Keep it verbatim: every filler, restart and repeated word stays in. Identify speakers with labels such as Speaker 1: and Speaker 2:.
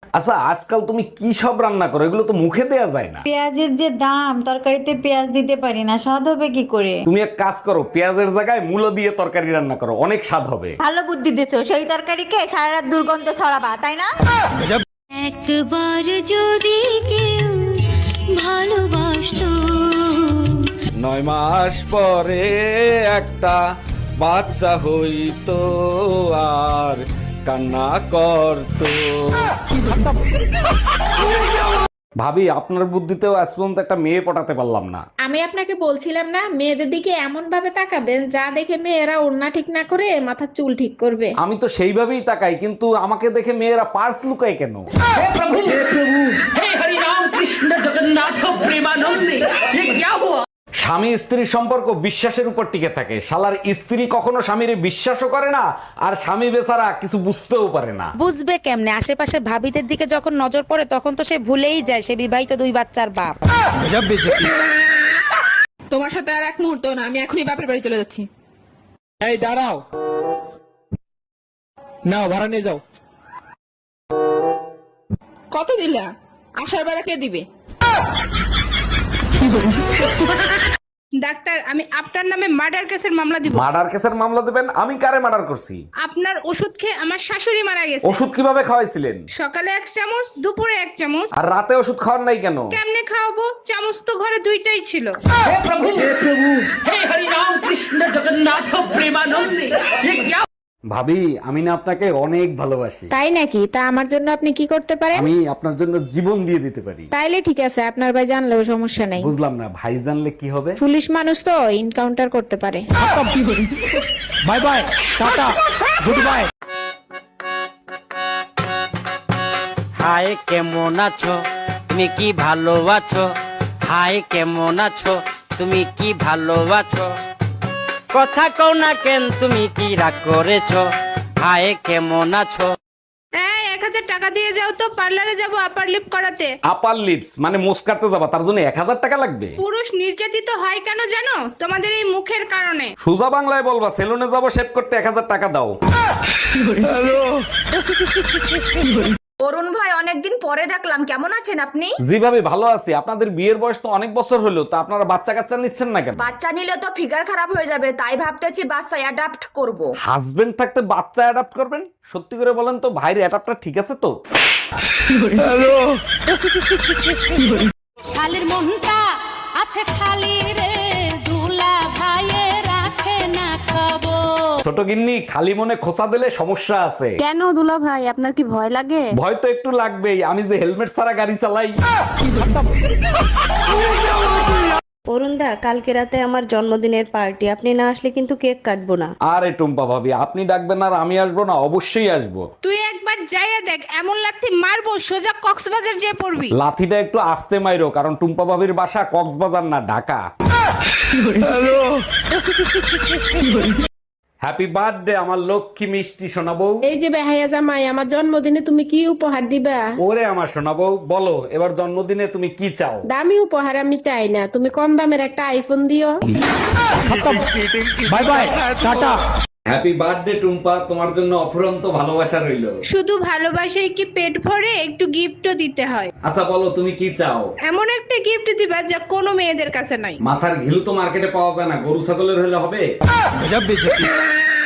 Speaker 1: আচ্ছা, আজকাল তুমি কি সব রান্না করো? এগুলো তো মুখে দেয়া যায় না।
Speaker 2: পেঁয়াজের যে দাম, তরকারিতে পেঁয়াজ দিতে পারি না, স্বাদ হবে কি করে?
Speaker 1: তুমি এক কাজ করো, পেঁয়াজের জায়গায় মূলো দিয়ে তরকারি রান্না করো, অনেক স্বাদ হবে।
Speaker 2: ভালো বুদ্ধি দিছো, সেই তরকারিকে সারা রাত দুর্গন্ধ ছড়াবা, তাই না?
Speaker 3: একবার যদি কেউ ভালোবাসতো।
Speaker 1: নয় মাস পরে একটা বাচ্চা হইতো আর কান্না করতো। ভাবি, আপনার বুদ্ধিতেও আজ পর্যন্ত একটা মেয়ে পটাতে পারলাম না।
Speaker 4: আমি আপনাকে বলছিলাম না, মেয়েদের দিকে এমন ভাবে তাকাবেন যা দেখে মেয়েরা ওড়না ঠিক না করে মাথার চুল ঠিক করবে।
Speaker 1: আমি তো সেইভাবেই তাকাই, কিন্তু আমাকে দেখে মেয়েরা পার্স লুকায় কেন? স্বামী স্ত্রীর সম্পর্ক বিশ্বাসের উপর টিকে থাকে। শালার স্ত্রী কখনো স্বামীর বিশ্বাসও করে না, আর স্বামী বেচারা কিছু বুঝতেও পারে না।
Speaker 5: বুঝবে কেমনে? আশেপাশে ভাবিদের দিকে যখন নজর পড়ে তখন তো সে ভুলেই যায় সে বিবাহিত দুই বাচ্চার বাপ।
Speaker 6: তোমার সাথে আর এক মুহূর্ত না, আমি এখনই বাপের বাড়ি চলে যাচ্ছি।
Speaker 7: এই দাঁড়াও, নাও ভাড়া নিয়ে যাও।
Speaker 6: কত দিলা? আসার বেড়া কে দিবে?
Speaker 8: ডাক্তার, আমি আপনার নামে মার্ডার কেসের মামলা দিব।
Speaker 1: মার্ডার কেসের মামলা দেবেন? আমি কারে মার্ডার করছি?
Speaker 8: আপনার ওষুধ খেয়ে আমার শাশুড়ি মারা গেছে।
Speaker 1: ওষুধ কিভাবে খাওয়াইছিলেন?
Speaker 8: সকালে এক চামচ, দুপুরে এক চামচ।
Speaker 1: আর রাতে ওষুধ খাওয়ার নাই কেন?
Speaker 8: কেমনে খাওয়াবো? চামচ তো ঘরে দুইটাই ছিল।
Speaker 1: ভাবি, আমি না আপনাকে অনেক ভালোবাসি।
Speaker 4: তাই নাকি? তা আমার জন্য আপনি কি করতে পারেন?
Speaker 1: আমি আপনার জন্য জীবন দিয়ে দিতে পারি।
Speaker 4: তাইলে ঠিক আছে, আপনার ভাই জানলেও সমস্যা নাই।
Speaker 1: বুঝলাম না, ভাই জানলে কি হবে?
Speaker 4: পুলিশ মানুষ তো এনকাউন্টার করতে পারে।
Speaker 7: Bye bye, tata, goodbye.
Speaker 9: Hi কেমন আছো, তুমি কি ভালো আছো? হাই কেমন আছো, তুমি কি ভালো আছো? কথা কও না কেন, তুমি কি রাগ করেছো? হাই কেমন আছো?
Speaker 8: এই এক হাজার টাকা দিয়ে যাও তো, পার্লারে যাব আপার লিপ করাতে।
Speaker 1: আপার লিপস মানে মোস কাটতে যাবা, তার জন্য এক হাজার টাকা লাগবে?
Speaker 8: পুরুষ নির্যাতিত হয় কেন জানো? তোমাদের এই মুখের কারণে।
Speaker 1: সোজা বাংলায় বলবা, সেলুনে যাবো শেভ করতে, এক হাজার টাকা দাও।
Speaker 10: অরুণ ভাই, অনেকদিন পরে দেখলাম, কেমন আছেন আপনি?
Speaker 1: জি ভাবি, ভালো আছি। আপনাদের বিয়ের বয়স তো অনেক বছর হলো, তা আপনারা বাচ্চা কাচ্চা নিচ্ছেন না কেন?
Speaker 10: বাচ্চা নিলে তো ফিগার খারাপ হয়ে যাবে, তাই ভাবতেছি বাচ্চা অ্যাডাপ্ট করব।
Speaker 1: হাজবেন্ড থাকতে বাচ্চা অ্যাডাপ্ট করবেন? সত্যি করে বলেন তো, ভাইয়ের অ্যাডাপ্টার ঠিক আছে তো?
Speaker 3: শালের মনটা আছে খালি রে, দুলা ভাইয়ে রাখে না খবর।
Speaker 1: ছোট গিন্নি, খালি মনে খোঁচা দিলে সমস্যা আছে।
Speaker 5: কেন দুলা ভাই, আপনার কি ভয় লাগে?
Speaker 1: ভয় তো একটু লাগবেই, আমি যে হেলমেট ছাড়া গাড়ি চালাই।
Speaker 11: অরুণদা, কালকে রাতে আমার জন্মদিনের পার্টি, আপনি না আসলে কিন্তু কেক কাটবো না।
Speaker 1: আরে টুম্পা ভাবি, আপনি ডাকবেন আর আমি আসবো না? অবশ্যই আসবো।
Speaker 8: তুই একবার যাইয়া দেখ, এমন লাথি মারবো সোজা কক্সবাজার যেয়ে পড়বি।
Speaker 1: লাথিটা একটু আস্তে মাইরো, কারণ টুম্পা ভাবির বাসা কক্সবাজার না, ঢাকা। হ্যাপি বার্থডে আমার লক্ষ্মী মিষ্টি শোনাবো।
Speaker 4: এই যে বেহাইয়া জামাই, আমার জন্মদিনে তুমি কি উপহার দিবা?
Speaker 1: ওরে আমার শোনাবো, বলো এবার জন্মদিনে তুমি কি চাও?
Speaker 4: দামি উপহার আমি চাই না, তুমি কম দামের একটা আইফোন দিও।
Speaker 7: Bye bye, tata.
Speaker 1: Happy birthday Tumpa, তোমার জন্য অফুরন্ত ভালোবাসা রইল।
Speaker 8: শুধু ভালোবাসাই কি পেট ভরে? একটু গিফটও দিতে হয়।
Speaker 1: আচ্ছা বলো, তুমি কি চাও?
Speaker 8: এমন একটা গিফট দিবা যা কোনো মেয়েদের কাছে নাই।
Speaker 1: মাথার ঘিলু তো মার্কেটে পাওয়া যায় না, গরু ছাগলের হলে হবে।